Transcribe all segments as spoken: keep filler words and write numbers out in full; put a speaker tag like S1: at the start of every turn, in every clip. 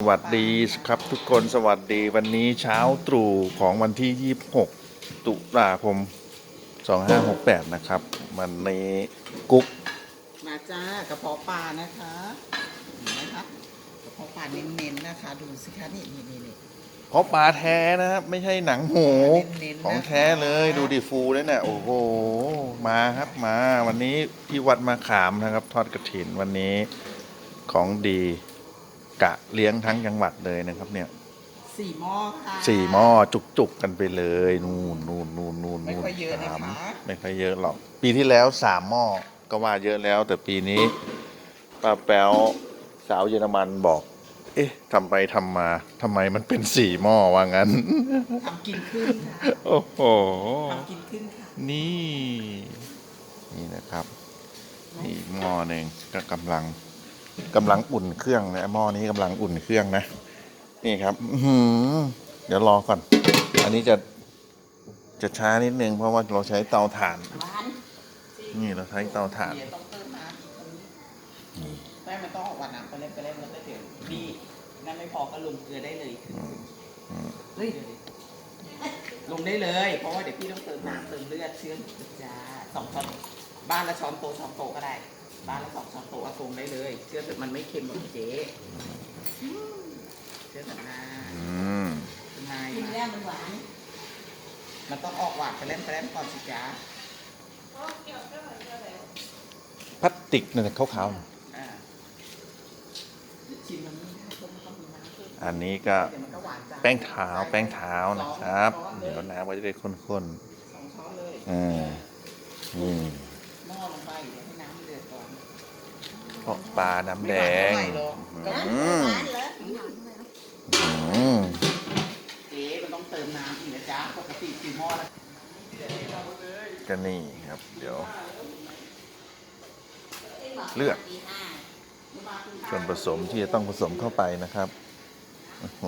S1: วัสดีครับทุกคนสวัสดีวันนี้เช้าตรู่ของวันที่ยี่สิบหกตุลาคมสองห้าหกแปดนะครับวันนี้กุ๊ก
S2: มาจ้ากระเพาะปลานะคะเห็นไหมคะกระเพาะปลาเน้นๆนะคะดูสิคะนี่นี่นี่นี่
S1: เพราะปลาแท้นะครับไม่ใช่หนังหมูของแท้เลยดูดิฟูเลยเนี่ยโอ้โหมาครับมาวันนี้ที่วัดมาขามนะครับทอดกฐินวันนี้ของดีกะเลี้ยงทั้งจังหวัดเลยนะครับเนี่ย
S2: สี่หม้อค่ะ
S1: สี่หม้อจุกๆกันไปเลยนู่นนู่นนู่นนู่น
S2: ไม่ค่อยเยอะนะคะ
S1: ไม่ค่อยเยอะหรอกปีที่แล้วสามหม้อก็ว่าเยอะแล้วแต่ปีนี้ป้าแป๊วสาวเยอรมันบอกเอ๊ะทำไปทำมาทำไมมันเป็นสี่หม้อว่างั้น
S2: ทำกินขึ้นค่ะ
S1: โอ้โห
S2: ทำกินขึ้นค่ะ
S1: นี่นี่นะครับนี่หม้อหนึ่งก็กำลังกำลังอุ่นเครื่องนะหม้อนี้กำลังอุ่นเครื่องนะนี่ครับเดี๋ยวรอก่อนอันนี้จะจะช้านิดนึงเพราะว่าเราใช้เตาถ่านนี่เราใช้เตาถ่าน
S2: ต้องเติมน้ำนี่ไม่มันต้องออกหวานน้ำไปเล่นไปเล่นแล้วก็เดี๋ยวดีนั่นไม่พอก็ลงเกลือได้เลยเฮ้ยลงได้เลยเพราะว่าเดี๋ยวพี่ต้องเติมน้ำเติมเลือดเชื่อมจ้าสองช้อนบ้านละช้อนโตช้อนโตก็ได้บ้านละสองช้อนโตเอาลงได้เลยเชื่อมมันไม่เค็มหรอกเจ๊เชื่อมนะกินแล้วมันหวานมันต้องออกหวานไปเล่นไปเล่นก่อนสิจ้า
S1: พลาสติกนั่นขาวๆอันนี้ก็แป้งเท้าแป้งเท้านะครับเดี๋ยวน้ำก็จะได้ข้นๆสองช้อนเลยอ่านี่
S2: หม้อลงไปเดี๋ยวให้น้ำเดือดก่อน
S1: เพราะปลาน้ำแดงอืม
S2: อืมเอ๊ะมันต้องเติมน้ำอีกนะจ๊ะปกติสี่หม้อแล้ว
S1: ก็นี่ครับเดี๋ยวเลือกส่วนผสมที่จะต้องผสมเข้าไปนะครับโอ้โห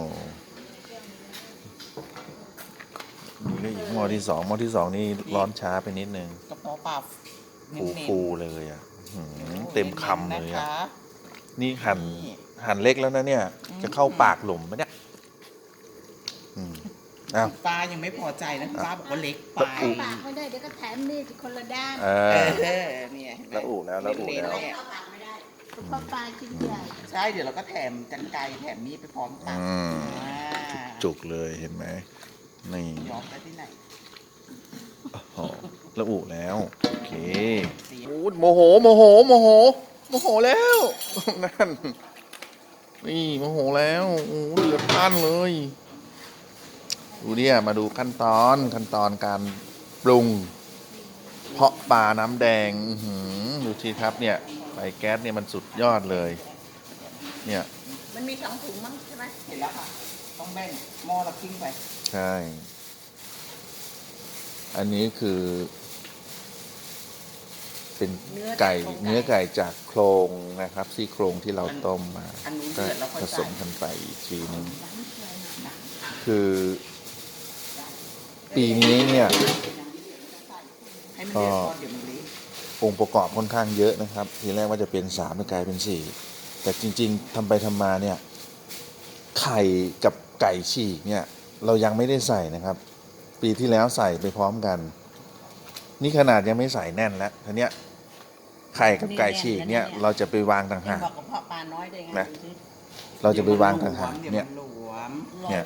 S1: นี่อีกหม้อที่สองหม้อที่สองนี่ร้อนช้าไปนิดนึง
S2: กระเพาะปลา
S1: ฟูฟูเลยอ่ะเต็มคำเลยอ่ะนี่หั่นหั่นเล็กแล้วนะเนี่ยจะเข้าปากหลุมไหมเนี่ย
S2: ป้ายังไม่พอใจนะป้าบอกว่าเล็กไป
S3: ปากไม่ได้เดี๋ยวก็แถมมีดคนละด้าน
S1: เออ
S2: เนี่ย
S1: แล้วอู่แล้วแล้วอู่แล้ว
S3: เพราะปลาชิ้นใหญ่
S2: ใช่เดี๋ยวเราก็แถมกันไกรแถมมีดไปพร้อมกัน
S1: จุกเลยเห็นไหมนี่
S2: ย้อมไปที่ไหน
S1: แล้วอู่แล้วโอเคโมโหโมโหโมโหโมโหแล้วนั่นนี่โมโหแล้วโอ้เดือดพันเลยดูเนี่ยมาดูขั้นตอนขั้นตอนการปรุงเพาะปลาน้ำแดงดูทีครับเนี่ยไฟแก๊สเนี่ยมันสุดยอดเลยเนี่ย
S3: มันมีสองถุงมั้งใช่ไหม
S2: เห็นแล้วค่ะต้องแบ่งหม้อละครึ่งไป
S1: ใช่อันนี้คือเป็นไก่เนื้อไก่จากโครงนะครับซี่โครงที่เราต้มมาก็ผสมกันไปอีกทีนึงคือปีนี้เนี่ยก็องค์ประกอบค่อนข้างเยอะนะครับทีแรกว่าจะเป็นสามกลายเป็นสี่แต่จริงๆทำไปทำมาเนี่ยไข่กับไก่ฉีกเนี่ยเรายังไม่ได้ใส่นะครับปีที่แล้วใส่ไปพร้อมกันนี่ขนาดยังไม่ใส่แน่นแล้วทีเนี้ยไข่กับไก่ฉีกเนี่ยเราจะไปวางต่างหากนะเราจะไปวางต่างหากเนี่ย
S3: เนี่ย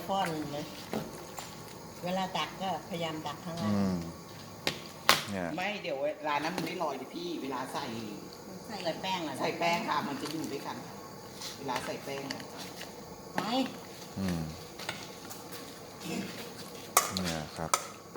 S3: เวลาตักก็พยายามตักข้างล่าง
S2: ไม่เดี๋ยวเวลานั้นมันไม่ลอยดิพี่เวลาใส่
S3: ใส่แป้งอะ
S2: ใส่แป้งค่ะมันจะอยู่ด้วยกันเวลาใส่แป้ง
S3: ไป
S1: อืมเนี่ยครับ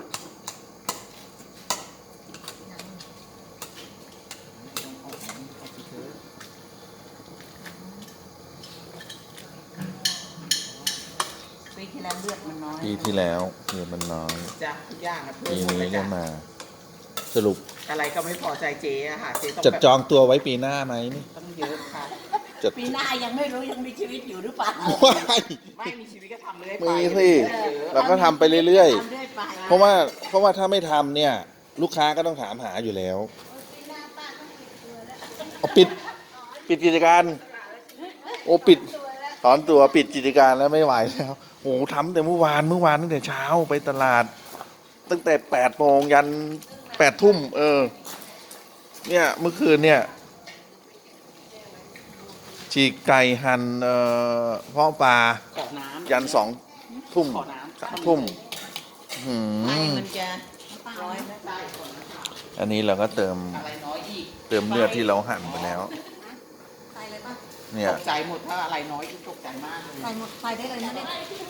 S2: ปีที่แล้วเลือดมันน้อย
S1: ปีที่แล้วเลือดมันน้อย
S2: จ้ะทุกอย่างนะ
S1: ปีนี้ก็มาสรุป
S2: อะไรก็ไม่พอใจเจ๊อะค่ะเจ๊ต้อง
S1: จัดจองตัวไว้ปีหน้าไหมนี่
S2: ต้องเยอะค่ะ
S3: ปีหน้ายังไม่รู้ยังมีชีวิตอยู่หรือเปล่า
S2: ไม่มีชีวิตก็ทำเลย
S1: มีสิเราก็ทำไปเรื่อยๆเพราะว่าเพราะว่าถ้าไม่ทำเนี่ยลูกค้าก็ต้องถามหาอยู่แล้วปิดปิดกิจการโอ้ปิดถอนตัวปิดกิจการแล้วไม่ไหวแล้วโอ้โหทำแต่เมื่อวานเมื่อวานตั้งแต่เช้าไปตลาด ตั้งแต่แปดโมงยันแปดทุ่มเออ เนี่ยเมื่อคืนเนี่ย ฉีกไก่หั่นเอ่อเพาะปลา
S2: ขอน้ำ
S1: ยันสองทุ่ม
S2: ขอน้ำ
S1: สามทุ่มหื
S3: ไฟ
S1: ม
S3: มันจะร้อยไหม
S2: ได้ก่อนนะคะ
S1: อันนี้เราก็เติม
S2: อะไรน้อยอีก
S1: เติมเลือดที่เราหั่นไปแล้ว
S3: ใส่เลยป่ะ
S1: เนี่ย
S2: ตกใจหมดถ้าอะไรน้อยอีกตกใจมากเลย
S3: ใส่หมดใส่ได้เลยนะเนี่ย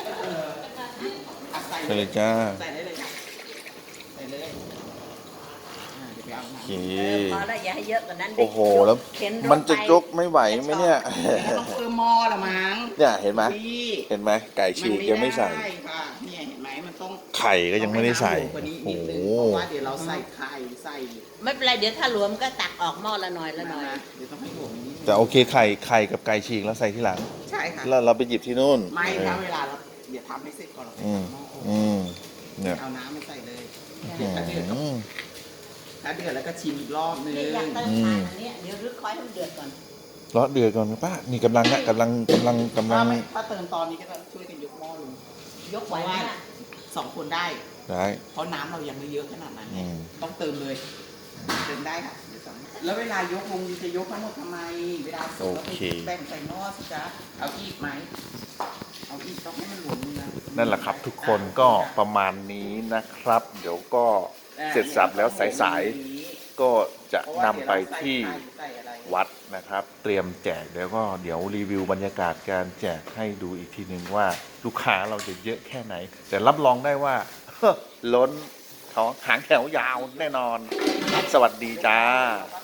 S2: อ่ะใส่
S1: ไปเลยจ้า
S2: ใส่ได้เลยค่ะใส่เลยอ่าเดี๋ยวไปเอา
S1: โอ
S2: น้ำ
S1: เค
S3: เออพอแล้วอย่าให้เยอะกว่านั้นดิ
S1: โอ้โห แล้ว
S3: เข็นรถ
S1: มันจะ
S3: ไป
S1: ยกไม่ไหวไหมเนี่ย
S2: ต้องเพิ่มหม้อละมั้ง
S1: เนี่ยเห็นไหม
S2: พี่
S1: เห็นไหมไก่ฉีกยังไม่ใส่
S2: นด้ค่ะเนี่ยเห็นไหมมันต้อง
S1: ไข่ก็ยังไม่ได้ใส่
S2: ต้องให้น้ำหมูกว่านี้
S1: โอ้
S2: นิด
S1: โห
S2: นึงเพราะว่าเดี๋ยวเราใส่ไข่ใส่
S3: ไม่เป็นไรเดี๋ยวถ้าหลวมก็ตักออกหม้อละหน่อยละหน่อย
S2: นะเดี๋ยวต้องให้หลวมนิดนึง
S1: แต่โอเคไข่ไข่กับไก่ฉีกแล้วใส่ที่หลัง
S2: ใช่ค่ะ
S1: แล้วเราไปหยิบที่นู่น
S2: ไม่
S1: เอ
S2: ถ้า
S1: อ
S2: เวลาเราเดี๋ยวทำให้เสร็จก่อนเราไป
S1: อืม
S2: ทำหม้อ
S1: อืมเนี่ย
S2: เอาน้ำไม่ใส่เลย
S1: อื
S2: เดี๋ยวถ้าเดือดก็
S1: ม
S2: ถ้าเดือดแล้วก็ชิมอีกรอบนึง
S3: นี่อยากเติมทานอันเนี้ยเดี๋ยวรึกคอยให้มันเดือดก่อน
S1: รอเดือดก่อนนะป้านี่กำลังนะกำลังกำลังกำลั
S2: ถ้าง ไม่ถ้าเติมตอนนี้ก็ต้องช่วยกันยกหม้อลง
S3: ยกไหวไหมน่ะ
S2: สองคนได้
S1: ได้
S2: เพราะน้ำเรายังไม่เยอะขนาดนั้น
S1: อืม
S2: ต้องเติมเลย เติมได้ค่ะเดี๋ยวสองแล้วเวลายกลงจะยกทั้งหมดทำไม เวลาเสร็จเราไปแบ่งใส่หม้อสิจ๊ะเอาอีกไหมเอาอีกต้องให้มันหลวมมือนะ
S1: นั่นแหละครับทุกคนก็ประมาณนี้นะครับ เดี๋ยวก็เสร็จสับแล้วสายๆก็จะนำไปที่วัดนะครับ เตรียมแจกเดี๋ยวก็เดี๋ยวรีวิวบรรยากาศการแจกให้ดูอีกทีหนึ่งว่าลูกค้าเราจะเยอะแค่ไหน แต่รับรองได้ว่า ล้นเขาหางแถวยาวแน่นอน สวัสดีจ้า
S2: ไป